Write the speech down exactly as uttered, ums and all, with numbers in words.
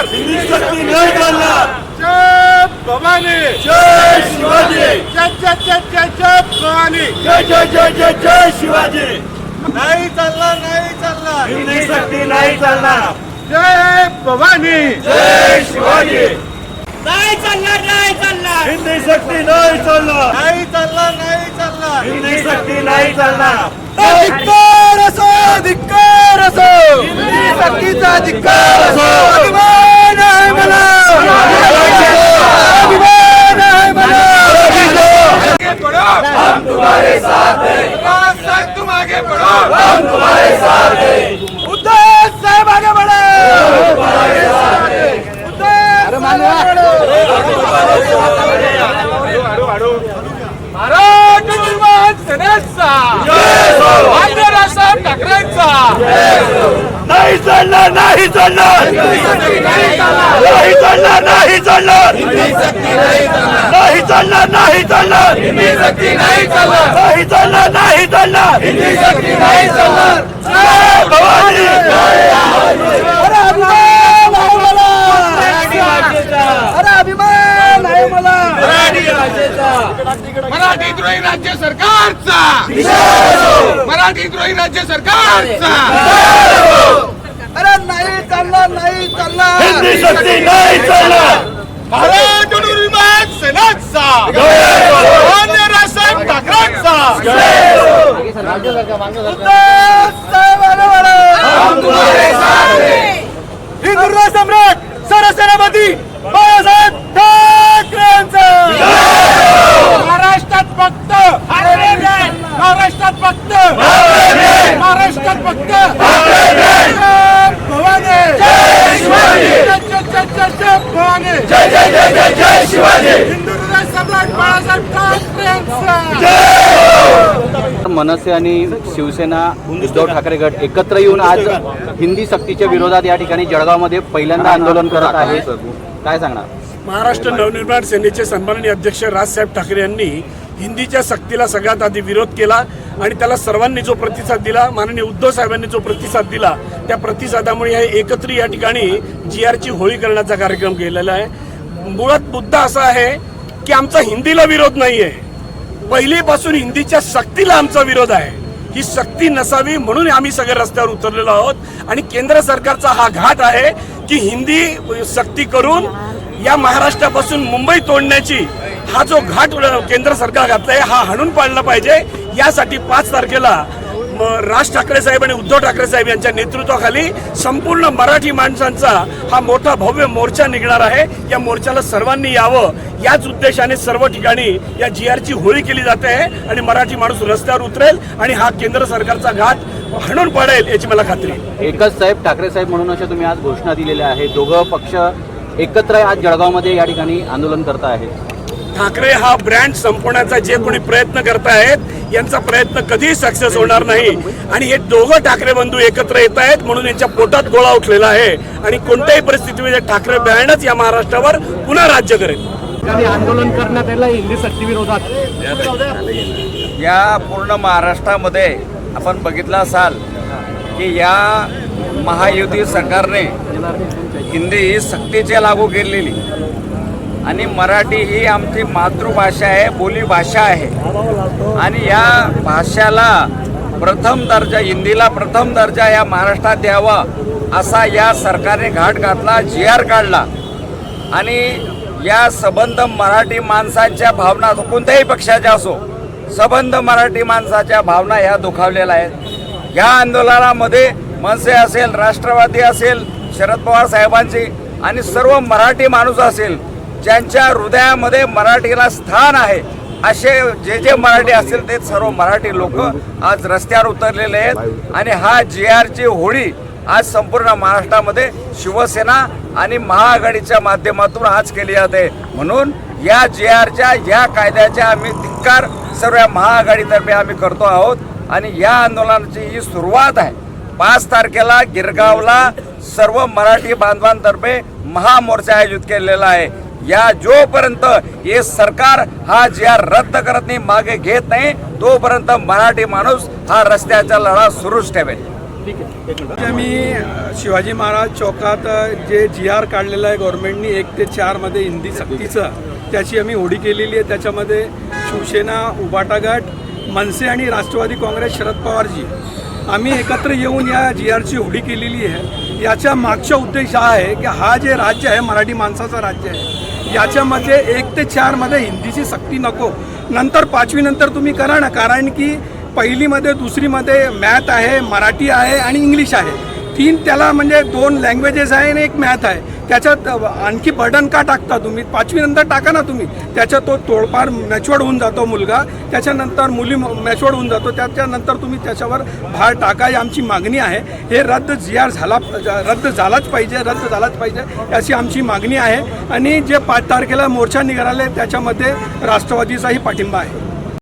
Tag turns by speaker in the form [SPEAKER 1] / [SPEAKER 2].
[SPEAKER 1] हिंदी सक्ती नाही चालणार।
[SPEAKER 2] जय भवानी,
[SPEAKER 1] जय शिवाजी,
[SPEAKER 2] जय जय जय जय जय भवानी,
[SPEAKER 1] जय जय जय जय जय शिवाजी।
[SPEAKER 2] नाही चालणार, नाही चालणार,
[SPEAKER 1] हिंदी सक्ती नाही चालणार।
[SPEAKER 2] जय भवानी,
[SPEAKER 1] जय शिवाजी,
[SPEAKER 3] नाही चालणार, नाही चालणार,
[SPEAKER 1] हिंदी सक्ती नाही चालणार।
[SPEAKER 2] नाही चालणार, नाही चालणार,
[SPEAKER 1] हिंदी सक्ती नाही चालणार।
[SPEAKER 2] धिक्कार असो, धिक्कार असो,
[SPEAKER 1] हिंदी
[SPEAKER 2] सक्तीचा धिक्कार असो, अभिमान आहे मला, अभिमान आहे मला। आगे बढ़ो,
[SPEAKER 1] हम तुम्हारे साथ हैं,
[SPEAKER 2] विकास साहब तुम आगे बढ़ो,
[SPEAKER 1] हम तुम्हारे साथ हैं,
[SPEAKER 2] उद्धव साहब आगे बढ़ो,
[SPEAKER 1] हम तुम्हारे साथ हैं।
[SPEAKER 2] उद्धव साहब आगे बढ़ो। मराठा निर्माण सेनेचा मान्य राजसाहेब ठाकरेंचा
[SPEAKER 1] नाही चालणार, नाही चालणार, नाही चालणार, नाही चालणार, नाही चालणार, नाही चालणार, नाही चालणार, नाही चालणार, जय भवानी।
[SPEAKER 2] अरे अभिमान आहे मला, अरे अभिमान आहे मला, मराठी द्रोही राज्य सरकारचा, मराठी द्रोही राज्य सरकारचा। अरे नाही चालणार, नाही चालणार,
[SPEAKER 1] हिंदी सक्ती नाही चालणार।
[SPEAKER 2] मराठा निर्माण सेनेचा मान्य राजसाहेब ठाकरेंचा
[SPEAKER 1] हम तुम्हारे साथ हैं,
[SPEAKER 2] हिंदू सम्राट सरसेनापती बाळासाहेब ठाकरेंचा महाराष्ट्रात फक्त महाराष्ट्रात फक्त महाराष्ट्रात फक्त भवानी,
[SPEAKER 1] जय शिवाजी,
[SPEAKER 2] जय जय जय जय भवानी,
[SPEAKER 1] जय जय जय जय जय शिवाजी।
[SPEAKER 2] हिंदू सम्राट बाळासाहेब ठाकरेंचा
[SPEAKER 4] मनसे आणि शिवसेना उद्धव ठाकरे गट एकत्र येऊन आज हिंदी सक्तीच्या विरोधात या ठिकाणी जळगावमध्ये पहिल्यांदा आंदोलन करत आहे। काय सांगणार?
[SPEAKER 5] महाराष्ट्र नवनिर्माण सेनेचे सन्माननीय अध्यक्ष राजसाहेब ठाकरे यांनी हिंदीच्या सक्तीला सगळ्यात आधी विरोध केला आणि त्याला सर्वांनी जो प्रतिसाद दिला, माननीय उद्धव साहेबांनी जो प्रतिसाद दिला, त्या प्रतिसादामुळे हे एकत्र या ठिकाणी जी आरची होळी करण्याचा कार्यक्रम केलेला आहे। मुळात मुद्दा असा आहे की आमचा हिंदीला विरोध नाही आहे, पहिलीपासून हिंदीच्या सक्तीला आमचा विरोध आहे। ही सक्ती नसावी म्हणून आम्ही सगळे रस्त्यावर उतरलेलो आहोत आणि केंद्र सरकारचा हा घाट आहे की हिंदी सक्ती करून या महाराष्ट्रापासून मुंबई तोडण्याची हा जो घाट केंद्र सरकार घातलाय हा हाणून पाडला पाहिजे। यासाठी पाच तारखेला राज ठाकरे साहेब आणि उद्धव ठाकरे साहेब यांच्या नेतृत्वाखाली संपूर्ण मराठी माणसांचा हा मोठा भव्य मोर्चा निघणार आहे। या मोर्चाला सर्वांनी यावं, याच उद्देशाने सर्व ठिकाणी या जी आरची होळी केली जाते आहे आणि मराठी माणूस रस्त्यावर उतरेल आणि हा केंद्र सरकारचा घाट हाणून पाडेल याची मला खात्री आहे।
[SPEAKER 4] एकच साहेब ठाकरे साहेब म्हणून अशा तुम्ही आज घोषणा दिलेल्या आहे, दोघं पक्ष एकत्र आज जळगावमध्ये या ठिकाणी आंदोलन करत आहेत।
[SPEAKER 5] ठाकरे हा ब्रँड संपवण्याचा जे कोणी प्रयत्न करतायत यांचा प्रयत्न कधीही सक्सेस होणार नाही आणि हे दोघं ठाकरे बंधू एकत्र येत आहेत म्हणून यांच्या पोटात गोळा उठलेला आहे आणि कोणत्याही परिस्थितीमध्ये ठाकरे ब्रँडच या महाराष्ट्रावर पुन्हा राज्य करेल।
[SPEAKER 4] आंदोलन करण्यात आलं हिंदी सक्ती विरोधात।
[SPEAKER 6] या पूर्ण महाराष्ट्रामध्ये आपण बघितलं असाल की या महायुती सरकारने हिंदी ही सक्तीची लागू केलेली आणि मराठी ही आमची मातृभाषा आहे, बोलीभाषा आहे आणि या भाषेला प्रथम दर्जा, हिंदीला प्रथम दर्जा या महाराष्ट्रात द्यावा असा या सरकारने घाट घातला, जी आर काढला आणि या सबंध मराठी माणसांच्या भावना कोणत्याही पक्षाच्या असो, सबंध मराठी माणसाच्या भावना ह्या दुखावलेल्या आहेत। या आंदोलनामध्ये मनसे असेल, राष्ट्रवादी असेल, शरद पवार साहेबांची आणि सर्व मराठी माणूस असेल ज्यांच्या हृदयामध्ये मराठीला स्थान आहे असे जे जे मराठी असतील ते सर्व मराठी लोक आज रस्त्यावर उतरलेले आहेत आणि हा जी आरची होळी आज संपूर्ण महाराष्ट्रामध्ये शिवसेना आणि महाआघाडीच्या माध्यमातून आज केली जाते। म्हणून या जी आरच्या या कायद्याच्या आम्ही धिक्कार सर्व महाआघाडीतर्फे आम्ही करतो आहोत आणि या आंदोलनाची ही सुरुवात आहे। पाच तारखेला गिरगावला सर्व मराठी बांधवांतर्फे महामोर्चा आयोजित केलेला आहे। या जोपर्यंत हे सरकार हा जी आर रद्द करत नाही, मागे घेत नाही, तोपर्यंत मराठी माणूस हा रस्त्याचा लढा सुरूच ठेवेल।
[SPEAKER 2] मी शिवाजी महाराज चौकात जे जी आर काढलेलं आहे गव्हर्नमेंटनी एक ते चारमध्ये हिंदी सक्तीचं, त्याची आम्ही होडी केलेली आहे. त्याच्यामध्ये शिवसेना, उबाटा गट, मनसे आणि राष्ट्रवादी काँग्रेस, शरद पवारजी आम्ही एकत्र येऊन या जी आरची होडी केलेली आहे. याच्या मागचा उद्देश हा आहे की हा जे राज्य आहे मराठी माणसाचं राज्य आहे, याच्यामध्ये एक ते चारमध्ये हिंदीची सक्ती नको. नंतर पाचवीनंतर तुम्ही करा ना, कारण की पहिलीमध्ये दुसरीमध्ये मॅथ आहे, मराठी आहे आणि इंग्लिश आहे. तीन त्याला म्हणजे दोन लँग्वेजेस आहे आणि एक मॅथ आहे. त्याच्यात आणखी बर्डन का टाकता तुम्ही? पाचवीनंतर टाका ना तुम्ही. त्याच्यात तो तोडपार मॅच्युअर्ड होऊन जातो मुलगा, त्याच्यानंतर मुली मॅच्युअर्ड होऊन जातो, त्याच्यानंतर तुम्ही त्याच्यावर भार टाका. ही आमची मागणी आहे. हे रद्द जी आर झाला रद्द झालाच पाहिजे, रद्द झालाच पाहिजे अशी आमची मागणी आहे. आणि जे पाच तारखेला मोर्चा निघाले त्याच्यामध्ये राष्ट्रवादीचाही पाठिंबा आहे.